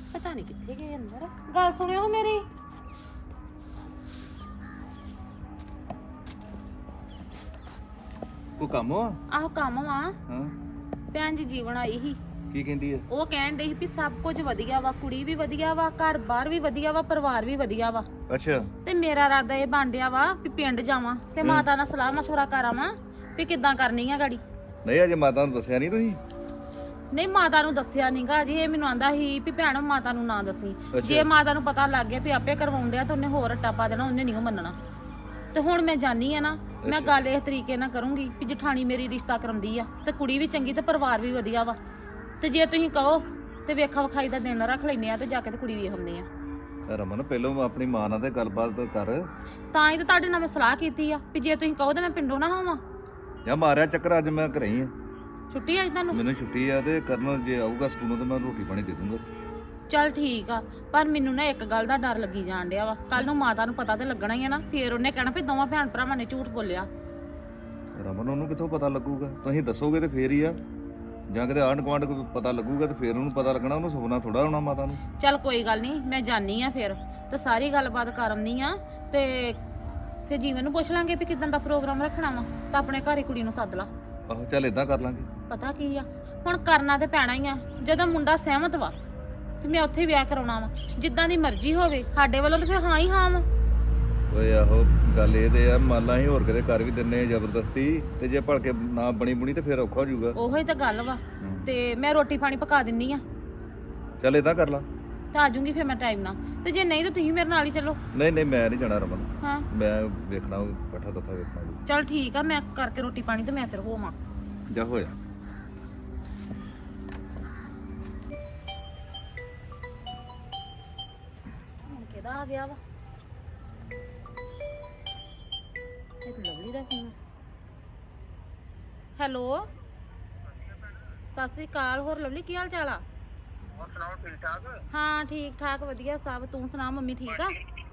ਪਤਾ ਨਹੀਂ ਕਿੱਥੇ ਗਏ ਅੰਦਰ। ਗੱਲ ਸੁਣਿਓ ਮੇਰੀ। ਕੋਈ ਕੰਮ ਆ? ਆਹੋ ਕੰਮ ਵਾ। ਹਾਂ ਭੈਣ ਜੀ ਜੀਵਨ ਆਈ ਸੀ। ਕੀ ਕਹਿੰਦੀ ਆ? ਉਹ ਕਹਿਣ ਡਈ ਸੀ ਵੀ ਸਭ ਕੁਝ ਵਧੀਆ ਵਾ, ਕੁੜੀ ਵੀ ਵਧੀਆ ਵਾ, ਘਰ ਬਾਰ ਵੀ ਵਧੀਆ ਵਾ, ਪਰਿਵਾਰ ਵੀ ਵਧੀਆ ਵਾ। ਅੱਛਾ ਤੇ ਮੇਰਾ ਇਰਾਦਾ ਇਹ ਬਣ ਡਿਆ ਵਾ ਵੀ ਪਿੰਡ ਜਾਵਾਂ ਤੇ ਮਾਤਾ ਨਾਲ ਸਲਾਹ ਮਸ਼ਵਰਾ ਕਰਾਵਾਂ ਵੀ ਕਿੱਦਾਂ ਕਰਨੀ ਆ ਗਾੜੀ। ਨਹੀਂ ਅਜੇ ਮਾਤਾ ਨੂੰ ਦੱਸਿਆ ਨਹੀਂ ਤੁਸੀਂ? ਨਹੀਂ ਮਾਤਾ ਨੂੰ ਦੱਸਿਆ ਨਹੀਂਗਾ ਜੀ। ਇਹ ਮੈਨੂੰ ਆਂਦਾ ਸੀ ਵੀ ਭੈਣ ਮਾਤਾ ਨੂੰ ਨਾ ਦੱਸੀ। ਅੱਛਾ। ਜੇ ਮਾਤਾ ਨੂੰ ਪਤਾ ਲੱਗ ਗਿਆ ਵੀ ਆਪੇ ਕਰਵਾਉਣ ਡਿਆ ਤਾਂ ਉਹਨੇ ਹੋਰ ਰੱਟਾ ਪਾ ਦੇਣਾ, ਉਹਨੇ ਨਹੀਂ ਮੰਨਣਾ। ਤੇ ਹੁਣ ਮੈਂ ਜਾਣੀ ਆ ਨਾ, ਮੈਂ ਅੱਛਾ। ਗੱਲ ਇਸ ਤਰੀਕੇ ਨਾਲ ਕਰੂੰਗੀ ਵੀ ਜਠਾਣੀ ਮੇਰੀ ਰਿਸ਼ਤਾ ਕਰਾਉਂਦੀ ਆ ਤੇ ਕੁੜੀ ਵੀ ਚੰਗੀ ਤੇ ਪਰਿਵਾਰ ਵੀ ਵਧੀਆ ਵਾ। ਤੇ ਜੇ ਤੁਸੀਂ ਕਹੋ ਤੇ ਵੇਖਾ ਵਿਖਾਈ ਦਾ ਦਿਨ ਰੱਖ ਲੈਨੇ ਆ ਤੇ ਜਾ ਕੇ ਤੇ ਕੁੜੀ ਵੇਖ ਆਉਂਦੇ ਆ। ਰਮਨ ਪਹਿਲਾਂ ਆਪਣੀ ਮਾਂ ਨਾਲ ਤੇ ਗੱਲਬਾਤ ਕਰ। ਤਾਂ ਹੀ ਤਾਂ ਤੁਹਾਡੇ ਨਾਲ ਮੈਂ ਸਲਾਹ ਕੀਤੀ ਆ ਵੀ ਜੇ ਤੁਸੀਂ ਕਹੋ ਤੇ ਮੈਂ ਪਿੰਡੋਂ ਨਾ ਹੋਵਾਂ। ਜਾਂ ਮਾਰਿਆ ਚੱਕਰ, ਅੱਜ ਮੈਂ ਘਰੇ ਹੀ ਆ। ਛੁੱਟੀ ਅੱਜ ਤੁਹਾਨੂੰ? ਮੈਨੂੰ ਛੁੱਟੀ ਆ ਤੇ ਕਰਨ ਜੇ ਆਊਗਾ ਸਕੂਲੋਂ ਤੇ ਮੈਂ ਰੋਟੀ ਪਾਣੀ ਦੇ ਦੂੰਗਾ। ਚੱਲ ਠੀਕ ਆ, ਪਰ ਮੈਨੂੰ ਨਾ ਇੱਕ ਗੱਲ ਦਾ ਡਰ ਲੱਗੀ ਜਾਣ ਡਿਆ ਵਾ। ਕੱਲ ਨੂੰ ਮਾਤਾ ਨੂੰ ਪਤਾ ਤੇ ਲੱਗਣਾ ਹੀ ਆ ਨਾ, ਫੇਰ ਉਹਨੇ ਕਹਿਣਾ ਵੀ ਦੋਵਾਂ ਭੈਣ ਭਰਾਵਾਂ ਨੇ ਝੂਠ ਬੋਲਿਆ। ਰਮਨ ਉਹਨੂੰ ਕਿੱਥੋਂ ਪਤਾ ਲੱਗੂਗਾ? ਤੁਸੀਂ ਦੱਸੋਗੇ ਤੇ ਫੇਰ ਹੀ ਆ। ਜਾਂ ਕਿਤੇ ਆਂਢ ਗੁਆਂਢ ਕੋਈ ਪਤਾ ਲੱਗੂਗਾ ਤੇ ਫੇਰ ਉਹਨੂੰ ਪਤਾ ਲੱਗਣਾ। ਉਹਨੂੰ ਸੁਪਨਾ ਥੋੜਾ ਹੋਣਾ ਮਾਤਾ ਨੂੰ। ਚੱਲ ਕੋਈ ਗੱਲ ਨਹੀਂ, ਮੈਂ ਜਾਣੀ ਆ ਫੇਰ ਤੇ ਸਾਰੀ ਗੱਲਬਾਤ ਕਰ ਆਉਂਦੀ ਆ ਤੇ ਫੇਰ ਜੀਵਨ ਨੂੰ ਪੁੱਛ ਲਾਂਗੇ ਵੀ ਕਿਦਾਂ ਦਾ ਪ੍ਰੋਗਰਾਮ ਰੱਖਣਾ ਵਾ ਤਾਂ ਆਪਣੇ ਘਰੇ ਕੁੜੀ ਨੂੰ ਸੱਦ ਲਾ। ਆਹੋ ਚੱਲ ਏਦਾਂ ਕਰ ਲਾਂਗੇ। ਪਤਾ ਕੀ ਆ, ਹੁਣ ਕਰਨਾ ਤੇ ਪੈਣਾ ਹੀ ਆ। ਜਦੋਂ ਮੁੰਡਾ ਸਹਿਮਤ ਵਾ ਤੇ ਮੈਂ ਉੱਥੇ ਵਿਆਹ ਕਰਾਉਣਾ ਵਾ। ਜਿੱਦਾਂ ਦੀ ਮਰਜ਼ੀ ਹੋਵੇ ਸਾਡੇ ਵੱਲੋਂ ਤਾਂ ਫਿਰ ਹਾਂ ਹੀ ਹਾਂ ਵਾ। ਓਏ ਆਹੋ ਗੱਲ ਇਹ ਤੇ ਆ, ਮੰਨ ਲਾ ਅਸੀਂ ਹੋਰ ਕਿਤੇ ਕਰ ਵੀ ਦਿੰਨੇ ਆ ਜ਼ਬਰਦਸਤੀ, ਤੇ ਜੇ ਭਲਕੇ ਨਾ ਬਣੀ ਬੁਣੀ ਤੇ ਫੇਰ ਔਖਾ ਹੋ ਜਾਊਗਾ। ਉਹੋ ਹੀ ਤਾਂ ਗੱਲ ਵਾ। ਤੇ ਮੈਂ ਰੋਟੀ ਪਾਣੀ ਪਕਾ ਦਿੰਨੀ ਆ ਚੱਲ ਏਦਾਂ ਕਰ ਲਾ। ਤੇ ਆ ਜਾਊਂਗੀ ਫਿਰ ਮੈਂ ਟਾਈਮ ਨਾਲ। ਤੇ ਜੇ ਨਹੀਂ ਤਾਂ ਤੁਸੀਂ ਮੇਰੇ ਨਾਲ ਹੀ ਚੱਲੋ। ਨਹੀਂ ਨਹੀਂ ਮੈਂ ਨਹੀਂ ਜਾਣਾ ਰਮਨ। ਹਾਂ ਮੈਂ ਵੇਖਣਾ ਇਕੱਠਾ ਤੱਥਾ ਵੇਖਣਾ। ਚੱਲ ਠੀਕ ਆ, ਮੈਂ ਕਰਕੇ ਰੋਟੀ ਪਾਣੀ ਤੇ ਮੈਂ ਫਿਰ ਹੋਵਾਂ। ਜਾ ਹੋਇਆ। ਹੁਣ ਕਿਹਦਾ ਆ ਗਿਆ ਵਾ? ਇਹ ਤਾਂ ਲਵਲੀ ਦਾ ਫੋਨ। ਹੈਲੋ ਸਤਿ ਸ੍ਰੀ ਅਕਾਲ। ਹੋਰ ਲਵਲੀ ਕੀ ਹਾਲ ਚਾਲ ਆ? ਹੋਰ ਸੁਣਾਓ, ਠੀਕ ਠਾਕ? ਹਾਂ ਠੀਕ ਠਾਕ ਵਧੀਆ ਸਭ। ਤੂੰ ਸੁਣਾ, ਮੰਮੀ ਠੀਕ ਆ?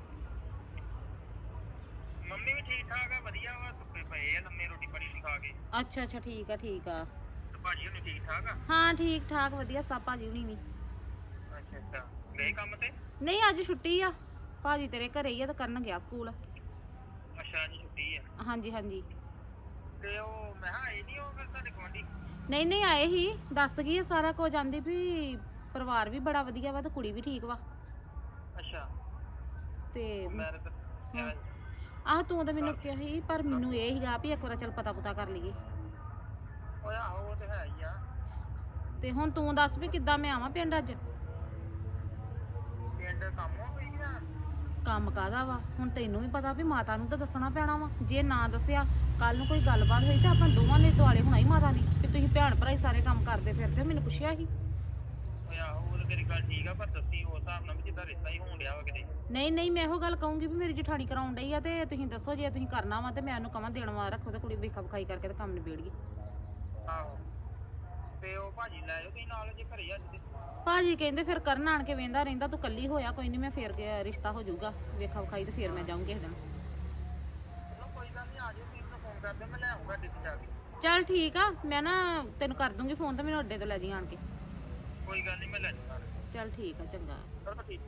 ਮੰਮੀ ਵੀ ਠੀਕ ਠਾਕ ਆ, ਵਧੀਆ ਵਾ। ਸੁੱਤੇ ਪਏ ਆ ਲੰਮੇ, ਰੋਟੀ ਪਾਣੀ ਨਹੀਂ ਖਾ ਕੇ। ਅੱਛਾ ਅੱਛਾ ਠੀਕ ਆ ਠੀਕ ਆ। ਤੇ ਭਾਜੀ ਹੁਣੀ ਠੀਕ ਠਾਕ ਆ? ਹਾਂ ਠੀਕ ਠਾਕ ਵਧੀਆ ਸਭ। ਭਾਜੀ ਹੁਣੀ ਵੀ? ਅੱਛਾ ਅੱਛਾ, ਗਏ ਕੰਮ ਤੇ? ਨਹੀਂ ਅੱਜ ਛੁੱਟੀ ਆ। ਭਾਜੀ ਤੇਰੇ ਘਰੇ ਹੀ ਆ ਤੇ ਕਰਨ ਗਿਆ ਸਕੂਲ। ਅੱਛਾ ਅੱਜ ਛੁੱਟੀ ਆ। ਹਾਂਜੀ ਹਾਂਜੀ। ਤੇ ਉਹ ਮੈਂ ਕਿਹਾ ਆਏ ਨਹੀਂ ਉਹ ਫਿਰ ਤੁਹਾਡੇ ਗੁਆਂਢੀ? ਨਹੀਂ ਨਹੀਂ ਆਏ ਹੀ, ਦੱਸ ਗਈ ਸਾਰਾ ਕੁਝ। ਆਂਦੀ ਵੀ ਪਰਿਵਾਰ ਵੀ ਬੜਾ ਵਧੀਆ ਵਾ ਤੇ ਕੁੜੀ ਵੀ ਠੀਕ ਵਾ। ਅੱਛਾ ਤੇ ਮੈਂ ਤਾਂ ਕਿਹਾ ਸੀ। ਆਹ ਤੂੰ ਤਾਂ ਮੈਨੂੰ ਕਿਹਾ ਸੀ, ਪਰ ਮੈਨੂੰ ਇਹ ਸੀਗਾ ਵੀ ਇੱਕ ਵਾਰ ਚੱਲ ਪਤਾ ਪੁਤਾ ਕਰ ਲਈਏ। ਓਏ ਆਹੋ ਉਹ ਤੇ ਹੈ ਹੀ ਆ। ਤੇ ਹੁਣ ਤੂੰ ਦੱਸ ਵੀ ਕਿੱਦਾਂ ਮੈਂ ਆਵਾਂ ਪਿੰਡ ਅੱਜ? ਪਿੰਡ ਕੰਮ ਹੋ ਗਈ ਆ? ਕੰਮ ਕਾਹਦਾ ਵਾ? ਹੁਣ ਤੈਨੂੰ ਵੀ ਪਤਾ ਵੀ ਮਾਤਾ ਨੂੰ ਤਾਂ ਦੱਸਣਾ ਪੈਣਾ ਵਾ। ਜੇ ਨਾ ਦੱਸਿਆ ਕੱਲ ਨੂੰ ਕੋਈ ਗੱਲਬਾਤ ਹੋਈ ਤਾਂ ਆਪਾਂ ਦੋਵਾਂ ਨੇ ਦੁਆਲੇ ਹੋਣਾ ਹੀ ਮਾਤਾ ਦੀ ਕਿ ਤੁਸੀਂ ਭੈਣ ਭਰਾ ਹੀ ਸਾਰੇ ਕੰਮ ਕਰਦੇ ਫਿਰਦੇ ਹੋ। ਮੈਨੂੰ ਪੁੱਛਿਆ ਸੀ। ਓਏ ਆਹੋ ਉਹ ਤਾਂ ਤੇਰੀ ਗੱਲ ਠੀਕ ਆ, ਪਰ ਦੱਸੀ ਉਸ ਹਿਸਾਬ ਨਾਲ ਵੀ ਜਿੱਦਾਂ ਰਿਸ਼ਤਾ ਹੀ ਹੋਣ ਡਿਆ ਵਾ ਕਿਤੇ। ਨਹੀਂ ਨਹੀਂ ਮੈਂ ਇਹੋ ਗੱਲ ਕਹੂੰਗੀ ਵੀ ਮੇਰੀ ਜਠਾਣੀ ਕਰਾਉਣ ਡਈ ਆ ਤੇ ਤੁਸੀਂ ਦੱਸੋ ਜੇ ਤੁਸੀਂ ਕਰਨਾ ਵਾ ਤੇ ਮੈਂ ਉਹਨੂੰ ਕਵਾਂ ਦੇਣ ਵਾਲਾ ਰੱਖੋ ਤੇ ਕੁੜੀ ਵੇਖਾ ਵਿਖਾਈ ਕਰਕੇ ਤੇ ਕੰਮ ਨਿਬੇੜੀਏ। ਆਹੋ ਤੇ ਉਹ ਭਾਜੀ ਲੈ ਜਾਓ ਤੁਸੀਂ ਨਾਲ ਜੇ ਘਰੇ ਅੱਜ ਤੇ। ਭਾਜੀ ਕਹਿੰਦੇ ਫਿਰ ਕਰਨ ਆਣ ਕੇ ਵੇਂਦਾ ਰਹਿੰਦਾ, ਤੂੰ ਕੱਲੀ ਹੋਇਆ ਕੋਈ ਨਹੀਂ, ਮੈਂ ਫੇਰ ਗਿਆ ਰਿਸ਼ਤਾ ਹੋ ਜਾਊਗਾ ਵੇਖਾ ਵਿਖਾਈ ਤੇ ਫੇਰ ਮੈਂ ਜਾਊਂਗੀ ਇਸ ਦਿਨ। ਚਲੋ ਕੋਈ ਗੱਲ ਨਹੀਂ, ਆ ਜਾਓ ਤੁਸੀਂ ਮੈਨੂੰ ਫੋਨ ਕਰ ਦਿਓ, ਮੈਂ ਲੈ ਆਉਂਗਾ ਦਿੱਤੀ ਜਾ ਕੇ। ਚੱਲ ਠੀਕ ਆ, ਮੈਂ ਨਾ ਤੈਨੂੰ ਕਰ ਦੂੰਗੀ ਫੋਨ ਤੇ ਮੈਨੂੰ ਅੱਡੇ ਤੋਂ ਲੈ ਜੀ ਆਣ ਕੇ। ਕੋਈ ਗੱਲ ਨਹੀਂ, ਮੈਂ ਲੈ ਜਾਊਂਗਾ। ਚੱਲ ਠੀਕ ਆ ਚੰਗਾ। ਚਲੋ ਠੀਕ।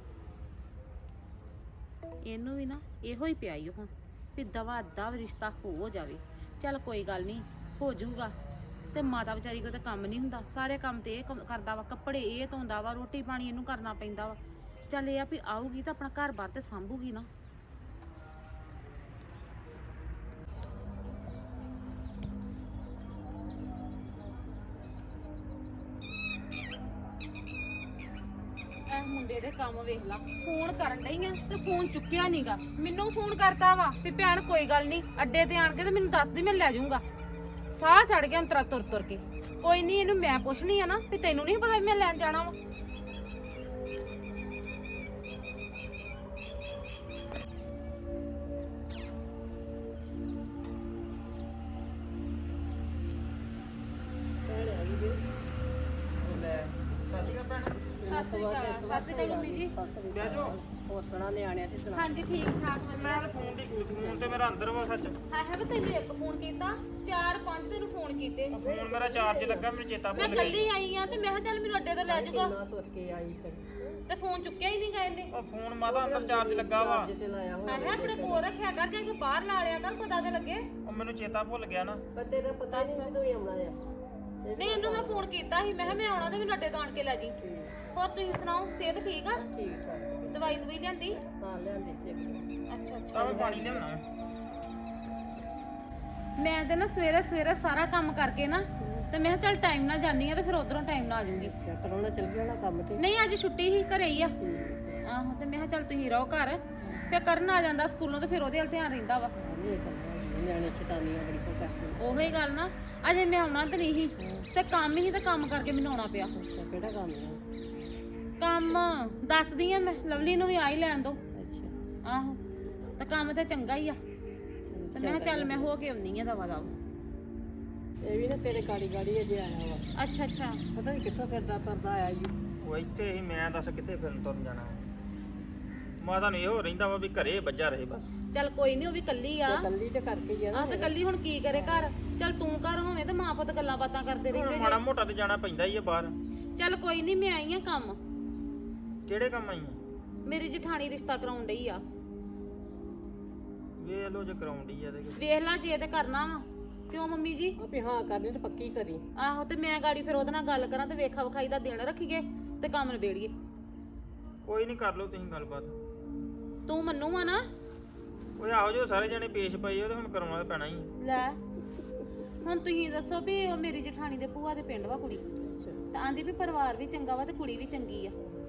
ਇਹਨੂੰ ਵੀ ਨਾ ਇਹੋ ਹੀ ਪਿਆ ਈ ਹੁਣ ਵੀ ਦਵਾ ਦਵ ਰਿਸ਼ਤਾ ਹੋ ਜਾਵੇ। ਚੱਲ ਕੋਈ ਗੱਲ ਨਹੀਂ, ਹੋ ਜਾਊਗਾ। ਤੇ ਮਾਤਾ ਵਿਚਾਰੀ ਕੋਲ ਤਾਂ ਕੰਮ ਨਹੀਂ ਹੁੰਦਾ, ਸਾਰੇ ਕੰਮ ਤੇ ਇਹ ਕਰਦਾ ਵਾ। ਕੱਪੜੇ ਇਹ ਧੋਂਦਾ ਵਾ, ਰੋਟੀ ਪਾਣੀ ਇਹਨੂੰ ਕਰਨਾ ਪੈਂਦਾ ਵਾ। ਚੱਲ ਇਹ ਆ ਵੀ ਆਊਗੀ ਤਾਂ ਆਪਣਾ ਘਰ ਬਾਰ ਤੇ ਸਾਂਭੂਗੀ ਨਾ। ਇਹ ਮੁੰਡੇ ਦੇ ਕੰਮ ਵੇਖ ਲਾ, ਫੋਨ ਕਰਨ ਡਈ ਆ ਤੇ ਫੋਨ ਚੁੱਕਿਆ ਨਹੀਂਗਾ। ਮੈਨੂੰ ਫੋਨ ਕਰਤਾ ਵਾ ਵੀ ਭੈਣ ਕੋਈ ਗੱਲ ਨਹੀਂ, ਅੱਡੇ ਤੇ ਆਣ ਕੇ ਤੇ ਮੈਨੂੰ ਦੱਸ ਦੀ, ਮੈਂ ਲੈ ਜਾਊਂਗਾ। ਸਾਹ ਚੜ ਗਿਆ ਅੰਤਰਾ ਤੁਰ ਤੁਰ ਕੇ। ਕੋਈ ਨਹੀਂ, ਇਹਨੂੰ ਮੈਂ ਪੁੱਛਣੀ ਆ ਨਾ ਵੀ ਤੈਨੂੰ ਨਹੀਂ ਪਤਾ ਵੀ ਮੈਂ ਲੈਣ ਜਾਣਾ ਵਾ। ਸਤਿ ਸ਼੍ਰੀ ਅਕਾਲ ਮੰਮੀ ਜੀ। ਬਹਿ ਜਾਓ। ਹੋਰ ਸੁਣਾ ਨਿਆਣਿਆਂ ਤੇ ਸੁਣਾ। ਹਾਂਜੀ ਠੀਕ ਠਾਕ ਵਧੀਆ। ਮੈਂ ਤਾਂ ਫੋਨ ਦੀ ਫੋਨ ਤੇ ਮੇਰਾ ਅੰਦਰ ਵਾ ਸੱਚ। ਹਾਂ ਹੈ ਵੀ ਤੈਨੂੰ ਇੱਕ ਫੋਨ ਕੀਤਾ 4-5 ਤੈਨੂੰ ਫੋਨ ਕੀਤੇ। ਉਹ ਫੋਨ ਮੇਰਾ ਚਾਰਜ ਲੱਗਾ ਮੈਨੂੰ ਚੇਤਾ ਮੈਂ ਭੁੱਲ ਗਿਆ। ਕੱਲੀ ਆਈ ਆ ਤੇ ਮੈਂ ਕਿਹਾ ਚੱਲ ਮੈਨੂੰ ਅੱਡੇ ਤੋਂ ਲੈ ਜਾਊਗਾ ਕਿੰਨਾ ਤੁਰ ਕੇ ਆਈ ਫਿਰ ਤੇ ਫੋਨ ਚੁੱਕਿਆ ਹੀ ਨਹੀਂ ਗਏ ਨੇ। ਉਹ ਫੋਨ ਮਾਤਾ ਅੰਦਰ ਚਾਰਜ ਲੱਗਾ ਵਾ। ਅੱਜ ਤੇ ਲਾਇਆ ਹਾਂ ਹੈ ਆਪਣੇ ਕੋਲ ਰੱਖਿਆ ਕਰ ਜੇ ਕਿ ਬਾਹਰ ਲਾ ਲਿਆ ਕਰ ਪਤਾ ਤੇ ਲੱਗੇ। ਉਹ ਮੈਨੂੰ ਚੇਤਾ ਭੁੱਲ ਗਿਆ ਨਾ। ਪਰ ਤੇਰਾ ਪਤਾ ਨਹੀਂ ਮੈਨੂੰ ਹੀ ਆਉਣਾ ਆ। ਨਹੀਂ ਇਹਨੂੰ ਮੈਂ ਫੋਨ ਕੀਤਾ ਸੀ ਮੈਂ ਕਿਹਾ ਮੈਂ ਆਉਣਾ ਤੇ ਮੈਨੂੰ ਅੱਡੇ ਤੋਂ ਆਣ ਕੇ ਲੈ ਜੀ। ਹੋਰ ਤੁਸੀਂ ਸੁਣਾਓ ਸਿਹਤ ਠੀਕ ਆ? ਠੀਕ ਠਾਕ ਦਵਾਈ ਦਵਾਈ ਲਿਆਂਦੀ? ਹਾਂ ਲਿਆਂਦੀ ਸੀ। ਅੱਛਾ ਅੱਛਾ। ਤਾਂ ਮੈਂ ਪਾਣੀ ਲਿਆਉਣਾ। ਮੈਂ ਤੇ ਨਾ ਸਵੇਰੇ ਸਵੇਰੇ ਸਾਰਾ ਕੰਮ ਕਰਕੇ ਨਾ ਤੇ ਮੈਂ ਕਿਹਾ ਚੱਲ ਟਾਈਮ ਨਾਲ ਜਾਨੀ ਆ ਤੇ ਫਿਰ ਉਧਰੋਂ ਟਾਈਮ ਨਾਲ ਆ ਜਾਊਂਗੀ। ਅੱਛਾ ਪਰੋਣਾ ਚੱਲ ਗਿਆ ਨਾ ਕੰਮ ਤੇ। ਨਹੀਂ ਅੱਜ ਛੁੱਟੀ ਹੀ ਘਰੇ ਹੀ ਆ। ਆਹੋ ਤੇ ਮੈਂ ਕਿਹਾ ਚੱਲ ਤੁਸੀਂ ਰਹੋ ਘਰ ਫਿਰ ਕਰਨ ਆ ਜਾਂਦਾ ਸਕੂਲੋਂ ਤੇ ਫਿਰ ਉਹਦੇ ਵੱਲ ਧਿਆਨ ਰਹਿੰਦਾ ਵਾ। ਨਹੀਂ ਕਰਨਾ ਨਿਆਣੇ ਛਟਾਨੀਆਂ ਬੜੀ ਕੋ ਕਰਦੇ। ਉਹੀ ਗੱਲ ਨਾ ਅਜੇ ਮੈਂ ਆਉਣਾ ਤੇ ਨਹੀਂ ਸੀ ਤੇ ਕੰਮ ਹੀ ਤੇ ਕੰਮ ਕਰਕੇ ਮੈਨੂੰ ਆਉਣਾ ਪਿਆ। ਅੱਛਾ ਕਿਹੜਾ ਕੰਮ ਆ? ਕੰਮ ਦੱਸਦੀ ਆ ਮੈਂ ਲਵਲੀ ਨੂੰ ਵੀ ਆ ਹੀ ਲੈਣ ਦੋ। ਅੱਛਾ ਆਹੋ ਤੇ ਕੰਮ ਤੇ ਚੰਗਾ ਹੀ ਆ ਤੇ ਮੈਂ ਕਿਹਾ ਚੱਲ ਮੈਂ ਹੋ ਕੇ ਆਉਣੀ ਆ ਦਵਾ ਦਵਾ। ਇਹ ਵੀ ਨਾ ਤੇਰੇ ਗਾੜੀ ਗਾੜੀ ਅਜੇ ਆਇਆ ਵਾ। ਅੱਛਾ ਅੱਛਾ। ਪਤਾ ਨਹੀਂ ਕਿੱਥੋਂ ਫਿਰਦਾ ਫਿਰਦਾ ਆਇਆ ਈ। ਉਹ ਇੱਥੇ ਹੀ ਮੈਂ ਦੱਸ ਕਿੱਥੇ ਫਿਰਨ ਤੁਰਨ ਜਾਣਾ। ਮਾਤਾ ਨੂੰ ਇਹੋ ਰਹਿੰਦਾ ਵਾ ਵੀ ਘਰੇ ਵੱਜਾ ਰਹੇ ਬਸ। ਚੱਲ ਕੋਈ ਨਹੀਂ ਉਹ ਵੀ ਕੱਲੀ ਆ। ਕੱਲੀ ਤੇ ਕਰਕੇ ਹੀ ਆ ਨਾ। ਆ ਤੇ ਕੱਲੀ ਹੁਣ ਕੀ ਕਰੇ ਘਰ। ਚੱਲ ਤੂੰ ਘਰ ਹੋਵੇਂ ਤੇ ਮਾਂ ਪੁੱਤ ਗੱਲਾਂ ਬਾਤਾਂ ਕਰਦੇ ਰਹਿੰਦੇ ਮਾੜਾ ਮੋਟਾ ਤੇ ਜਾਣਾ ਪੈਂਦਾ ਹੀ ਆ ਬਾਹਰ। ਚੱਲ ਕੋਈ ਨਹੀਂ ਮੈਂ ਆਈ ਆ ਕੰਮ। ਕਿਹੜੇ ਕੰਮ ਆਈ ਆ? ਮੇਰੀ ਜਠਾਣੀ ਰਿਸ਼ਤਾ ਕਰਾਉਣ ਡਈ ਆ। ਵੇਖ ਲੋ ਜੇ ਕਰਾਉਂਦੀ ਆ ਤੇ ਵੇਖ ਲਾ ਜੇ ਤੇ ਕਰਨਾ ਵਾ ਕਿਉਂ ਮੰਮੀ ਜੀ? ਆਪੇ ਹਾਂ ਕਰਨੀ ਤੇ ਪੱਕੀ ਕਰੀ। ਆਹੋ ਤੇ ਮੈਂ ਗਾੜੀ ਫਿਰ ਉਹਦੇ ਨਾਲ ਗੱਲ ਕਰਾਂ ਤੇ ਵੇਖਾ ਵਿਖਾਈ ਦਾ ਦਿਨ ਰੱਖੀਏ ਤੇ ਕੰਮ ਨਿਬੇੜੀਏ। ਕੋਈ ਨਹੀਂ ਕਰ ਲਓ ਤੁਸੀਂ ਗੱਲਬਾਤ। ਤੂੰ ਮੰਨੂ ਆ ਨਾ? ਓਏ ਆਹੋ ਜੋ ਸਾਰੇ ਜਣੇ ਪੇਸ਼ ਪਏ ਉਹ ਤੇ ਹੁਣ ਕਰਾਉਣਾ ਤਾਂ ਪੈਣਾ ਹੀ ਆ। ਲੈ ਹੁਣ ਤੁਸੀਂ ਦੱਸੋ ਵੀ ਉਹ ਮੇਰੀ ਜਠਾਣੀ ਦੇ ਭੂਆ ਦੇ ਪਿੰਡ ਵਾ ਕੁੜੀ ਅੱਛਾ ਤਾਂ ਆਂਦੀ ਵੀ ਪਰਿਵਾਰ ਵੀ ਚੰਗਾ ਵਾ ਤੇ ਕੁੜੀ ਵੀ ਚੰਗੀ ਆ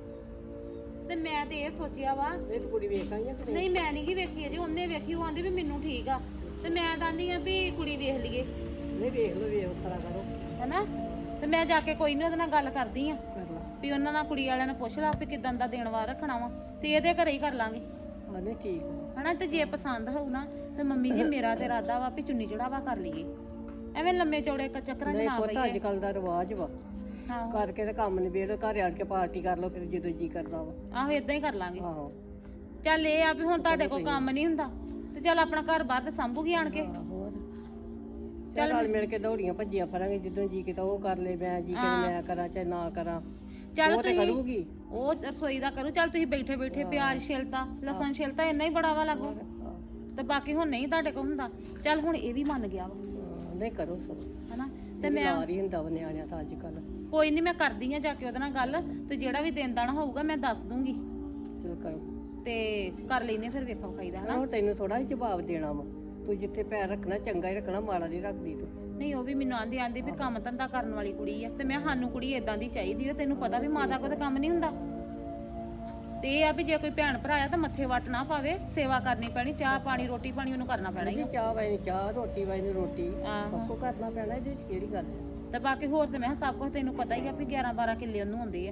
ਤੇ ਮੈਂ ਤੇ ਇਹ ਸੋਚਿਆ ਵਾ। ਇਹ ਤਾਂ ਕੁੜੀ ਵੇਖ ਆਈ ਆ ਕਿ ਨਹੀਂ ਮੈਂ ਨਹੀਂ ਗੀ ਵੇਖੀ ਅਜੇ ਉਹਨੇ ਵੇਖੀ ਉਹ ਆਂਦੀ ਵੀ ਮੈਨੂੰ ਠੀਕ ਆ ਤੇ ਮੈਂ ਕਹਿੰਦੀ ਆ ਵੀ ਕੁੜੀ ਵੇਖ ਲਈਏ ਨਹੀਂ ਵੇਖ ਲਓ ਵੇਖ ਖਰਾ ਕਰੋ ਹੈਨਾ ਤੇ ਮੈਂ ਜਾ ਕੇ ਕੋਈ ਨਹੀਂ ਉਹਦੇ ਨਾਲ ਗੱਲ ਕਰਦੀ ਆ ਕਰ ਲਾ। ਵੀ ਉਹਨਾਂ ਨਾਲ ਕੁੜੀ ਵਾਲਿਆਂ ਨੂੰ ਪੁੱਛ ਲਾ ਵੀ ਕਿਦਾਂ ਦਾ ਦੇਣ ਵਾਰ ਰੱਖਣਾ ਵਾ ਤੇ ਇਹਦੇ ਘਰੇ ਹੀ ਕਰ ਲਾਂਗੇ ਹਾਂ ਨਹੀਂ ਠੀਕ ਆ। ਹਨਾ ਤੇ ਜੇ ਪਸੰਦ ਹੋਊ ਨਾ ਤੇ ਮੰਮੀ ਜੀ ਮੇਰਾ ਤੇ ਇਰਾਦਾ ਵਾ ਵੀ ਚੁੰਨੀ ਚੜਾਵਾ ਕਰ ਲਈਏ ਐਵੇਂ ਲੰਮੇ ਚੌੜੇ ਚੱਕਰਾਂ 'ਚ ਨਹੀਂ ਨਾ ਪੁੱਤ ਅੱਜ ਪਈਏ। ਕੱਲ ਦਾ ਰਿਵਾਜ ਵਾ ਹਾਂ ਕਰਕੇ ਤੇ ਕੰਮ ਨਿਬੇੜ ਘਰ ਆਣ ਕੇ ਪਾਰਟੀ ਕਰ ਲਓ ਫਿਰ ਜਦੋਂ ਜੀ ਕਰਦਾ ਵਾ। ਆਹੋ ਇਦਾਂ ਹੀ ਕਰ ਲਾਂਗੇ। ਆਹੋ ਚੱਲ ਇਹ ਆ ਵੀ ਹੁਣ ਤੁਹਾਡੇ ਕੋਲ ਕੰਮ ਨਹੀਂ ਹੁੰਦਾ ਤੇ ਚੱਲ ਆਪਣਾ ਘਰ ਬਾਹਰ ਤੇ ਸੰਭੂਗੀ ਆਣ ਕੇ। ਹੋਰ ਚੱਲ ਨਾਲ ਮਿਲ ਕੇ ਦੌੜੀਆਂ ਭੱਜੀਆਂ ਫਰਾਂਗੇ ਜਦੋਂ ਜੀ ਕੀਤਾ ਉਹ ਕਰ ਲੈ ਮੈਂ ਜੀ ਕਿ ਮੈਂ ਕਰਾਂ ਚਾਹੇ ਨਾ ਕਰਾਂ ਚੱਲ ਉਹ ਤੇ ਤੁਸੀਂ ਕਰੂਗੀ। ਉਹ ਰਸੋਈ ਦਾ ਕਰੂ ਚੱਲ ਤੁਸੀਂ ਬੈਠੇ ਬੈਠੇ ਪਿਆਜ਼ ਛਿਲਤਾ ਲਸਣ ਛਿਲਤਾ ਇੰਨਾ ਹੀ ਬੜਾ ਵਾ ਲੱਗੂ ਤੇ ਬਾਕੀ ਹੁਣ ਨਹੀਂ ਤੁਹਾਡੇ ਕੋਲ ਹੁੰਦਾ। ਚੱਲ ਹੁਣ ਇਹ ਵੀ ਮੰਨ ਗਿਆ ਵਾ ਨਹੀਂ ਕਰੋ ਸਭ ਹਨਾ ਤੇ ਮੈਂ ਲਾਰ ਹੀ ਹੁੰਦਾ ਵਾ ਨਿਆਣਿਆਂ ਤਾਂ ਅੱਜ ਕੱਲ। ਕੋਈ ਨਹੀਂ ਮੈਂ ਕਰਦੀ ਆ ਜਾ ਕੇ ਉਹਦੇ ਨਾਲ ਗੱਲ ਤੇ ਜਿਹੜਾ ਵੀ ਦਿਨ ਦਾਣਾ ਹੋਊਗਾ ਮੈਂ ਦੱਸ ਦੂੰਗੀ ਚਲ ਕਰੋ ਤੇ ਕਰ ਲੈਨੇ ਫਿਰ ਵੇਖਾ ਵਿਖਾਈਦਾ ਹਨਾ। ਉਹ ਤੈਨੂੰ ਥੋੜਾ ਜਿਹਾ ਜਵਾਬ ਦੇਣਾ ਵਾ। ਤੂੰ ਜਿੱਥੇ ਪੈਰ ਰੱਖਣਾ ਚੰਗਾ ਹੀ ਰੱਖਣਾ ਮਾੜਾ ਨਹੀਂ ਰੱਖਦੀ ਤੂੰ। ਨਹੀਂ ਉਹ ਵੀ ਮੈਨੂੰ ਆਂਦੀ ਵੀ ਕੰਮ ਧੰਦਾ ਕਰਨ ਵਾਲੀ ਕੁੜੀ ਆ ਤੇ ਮੈਂ ਸਾਨੂੰ ਕੁੜੀ ਇਦਾਂ ਦੀ ਚਾਹੀਦੀ ਆ। ਤੈਨੂੰ ਪਤਾ ਵੀ ਮਾਤਾ ਕੋਲ ਤਾਂ ਕੰਮ ਨਹੀਂ ਹੁੰਦਾ ਤੇ ਇਹ ਆ ਵੀ ਜੇ ਕੋਈ ਭੈਣ ਭਰਾ ਆ ਤਾਂ ਮੱਥੇ ਵੱਟ ਨਾ ਪਾਵੇ ਸੇਵਾ ਕਰਨੀ ਪੈਣੀ ਚਾਹ ਪਾਣੀ ਰੋਟੀ ਪਾਣੀ ਉਹਨੂੰ ਕਰਨਾ ਪੈਣਾ ਹੀ ਜੀ ਆ। ਚਾਹ ਵਾਈ ਚਾਹ ਰੋਟੀ ਵਾਈ ਰੋਟੀ ਆਹੋ। ਸਭ ਕੁਝ ਕਰਨਾ ਪੈਣਾ ਇਹਦੇ ਵਿੱਚ ਕਿਹੜੀ ਗੱਲ ਹੈ। ਤੇ ਬਾਕੀ ਹੋਰ ਤੇ ਮੈਂ ਕਿਹਾ ਸਭ ਕੁਝ ਤੈਨੂੰ ਪਤਾ ਹੀ ਆ ਵੀ 11-12 ਕਿੱਲੇ ਉਹਨੂੰ ਆਉਂਦੇ ਆ।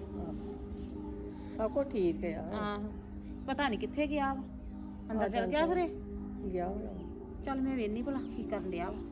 ਸਭ ਕੁਝ ਠੀਕ ਹੈ ਆ। ਆਹੋ ਪਤਾ ਨਹੀਂ ਕਿੱਥੇ ਗਿਆ ਵਾ ਅੰਦਰ ਚਲ ਗਿਆ ਘਰੇ। ਗਿਆ ਹੋਣਾ। ਚੱਲ ਮੈਂ ਵੇਖਨੀ ਭਲਾ ਕੀ ਕਰਨ ਡਿਆ ਵਾ।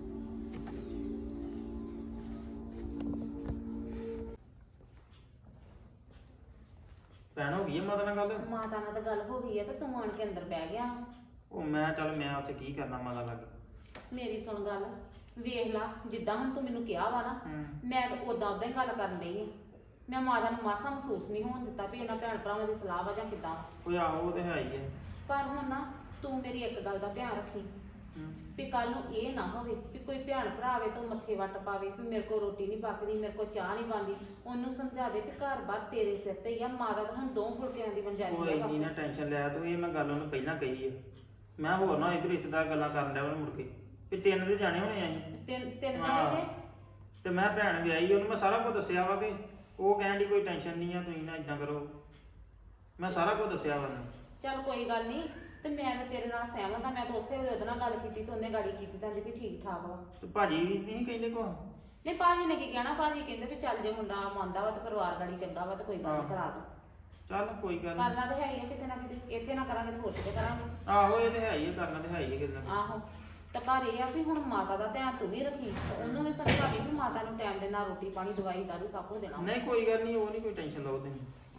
ਭੈਣ ਹੋ ਗਈ ਆ ਮਾਤਾ ਨਾਲ ਗੱਲ? ਮਾਤਾ ਨਾਲ ਤਾਂ ਗੱਲ ਹੋ ਗਈ ਆ ਤੇ ਤੂੰ ਆਣ ਕੇ ਅੰਦਰ ਬਹਿ ਗਿਆ। ਉਹ ਮੈਂ ਚੱਲ ਮੈਂ ਉੱਥੇ ਕੀ ਕਰਨਾ ਮਾਤਾ ਲੱਗ। ਮੇਰੀ ਸੁਣ ਗੱਲ ਵੇਖ ਲਾ ਜਿੱਦਾਂ ਹੁਣ ਤੂੰ ਮੈਨੂੰ ਕਿਹਾ ਵਾ ਨਾ ਮੈਂ ਤਾਂ ਉਦਾਂ ਹੀ ਗੱਲ ਕਰਨ ਡਈ ਆ। ਮੈਂ ਮਾਤਾ ਨੂੰ ਮਾਸਾ ਮਹਿਸੂਸ ਨਹੀਂ ਹੋਣ ਦਿੱਤਾ ਵੀ ਇਹਨਾਂ ਭੈਣ ਭਰਾਵਾਂ ਦੀ ਸਲਾਹ ਵਾ ਜਾਂ ਕਿੱਦਾਂ। ਕੋਈ ਆਹੋ ਉਹ ਤੇ ਹੈ ਹੀ ਹੈ। ਪਰ ਹੁਣ ਨਾ ਤੂੰ ਮੇਰੀ ਇੱਕ ਗੱਲ ਦਾ ਧਿਆਨ ਰੱਖੀ ਵੀ ਕੱਲ ਨੂੰ ਇਹ ਨਾ ਹੋਵੇ ਵੀ ਕੋਈ ਭੈਣ ਭਰਾ ਆਵੇ ਤਾਂ ਮੱਥੇ ਵੱਟ ਪਾਵੇ ਵੀ ਮੇਰੇ ਕੋਲ ਰੋਟੀ ਨਹੀਂ ਪੱਕਦੀ ਮੇਰੇ ਕੋਲ ਚਾਹ ਨਹੀਂ ਬਣਦੀ। ਉਹਨੂੰ ਸਮਝਾ ਦੇ ਵੀ ਘਰ-ਬਾਰ ਤੇਰੇ ਸਿਰ ਤੇ ਹੀ ਆ। ਮਾਤਾ ਤਾਂ ਹੁਣ 2 ਫੁਲਕਿਆਂ ਦੀ ਵੰਜਾਰੀ ਉਹ ਆ ਇੰਨੀ ਨਾ ਟੈਨਸ਼ਨ ਲਿਆ ਤੂੰ। ਇਹ ਮੈਂ ਗੱਲ ਉਹਨੂੰ ਪਹਿਲਾਂ ਕਹੀ ਹੈ। ਮੈਂ ਹੋਰ ਨਾ ਇਹ ਰਿਸ਼ਤੇਦਾਰ ਗੱਲਾਂ ਕਰਨ ਡਿਆ ਮੁੜ ਕੇ ਵੀ 3 ਦੇ ਜਾਣੇ ਹੋਣੇ ਅਸੀਂ ਤਿੰਨ ਹਾਂ। ਜਣੇ ਤੇ ਮੈਂ ਭੈਣ ਵਿਆਹੀ ਉਹਨੂੰ ਮੈਂ ਸਾਰਾ ਕੁਝ ਦੱਸਿਆ ਵਾ ਕਿ ਉਹ ਕਹਿਣ ਦੀ ਕੋਈ ਟੈਨਸ਼ਨ ਨਹੀਂ ਆ ਤੁਸੀਂ ਨਾ ਇਦਾਂ ਕਰੋ। ਮੈਂ ਸਾਰਾ ਕੁਝ ਦੱਸਿਆ ਵਾ ਉਹਨੂੰ। ਚੱਲ ਕੋਈ ਗੱਲ ਨਹੀਂ ਤੇ ਮੈਂ ਤਾਂ ਤੇਰੇ ਨਾਲ ਸਹਿਮਤ ਆ। ਮੈਂ ਤਾਂ ਉਸੇ ਵੇਲੇ ਉਹਦੇ ਨਾਲ ਗੱਲ ਕੀਤੀ ਤੇ ਉਹਨੇ ਗਾੜੀ ਕੀਤੀ ਤਾਂ ਵੀ ਠੀਕ ਠਾਕ ਵਾ। ਤੇ ਭਾਜੀ ਨਹੀਂ ਕਹਿੰਦੇ ਕੋ? ਨਹੀਂ ਭਾਜੀ ਨੇ ਕੀ ਕਹਿਣਾ। ਭਾਜੀ ਕਹਿੰਦੇ ਵੀ ਚੱਲ ਜੇ ਮੁੰਡਾ ਮੰਨਦਾ ਵਾ ਤੇ ਪਰਿਵਾਰ ਗਾੜੀ ਚੰਗਾ ਵਾ ਤੇ ਕੋਈ ਗੱਲ ਨੀ ਕਰਾ ਦੋ। ਚੱਲ ਕੋਈ ਗੱਲ ਨੀ। ਕਰਨਾ ਤੇ ਹੈ ਹੀ ਆ ਕਿਤੇ ਨਾ ਕਿਤੇ। ਇੱਥੇ ਨਾ ਕਰਾਂਗੇ ਤੇ ਹੋਰ ਕਿਤੇ ਕਰਾਂਗੇ। ਆਹੋ ਇਹ ਤੇ ਹੈ ਹੀ ਆ। ਕਰਨਾ ਤੇ ਹੈ ਹੀ ਆ ਕਿਤੇ ਨਾ ਕਿਤੇ। ਆਹੋ ਤੇ ਪਰ ਇਹ ਆ ਵੀ ਹੁਣ ਮਾਤਾ ਦਾ ਧਿਆਨ ਤੂੰ ਵੀ ਰੱਖੀ ਤੇ ਉਹਨੂੰ ਵੀ ਸਮਝਾ ਦੇ ਵੀ ਮਾਤਾ ਨੂੰ ਟਾਈਮ ਦੇ ਨਾਲ ਰੋਟੀ ਪਾਣੀ ਦਵਾਈ ਦਾਰੂ ਸਭ ਕੁਝ ਦੇਣਾ। ਨਹੀਂ ਕੋਈ ਗੱਲ ਨਹੀਂ। ਉਹ ਨਹੀਂ ਕੋਈ ਟੈਨਸ਼ਨ ਲਓ ਤੁਸੀਂ।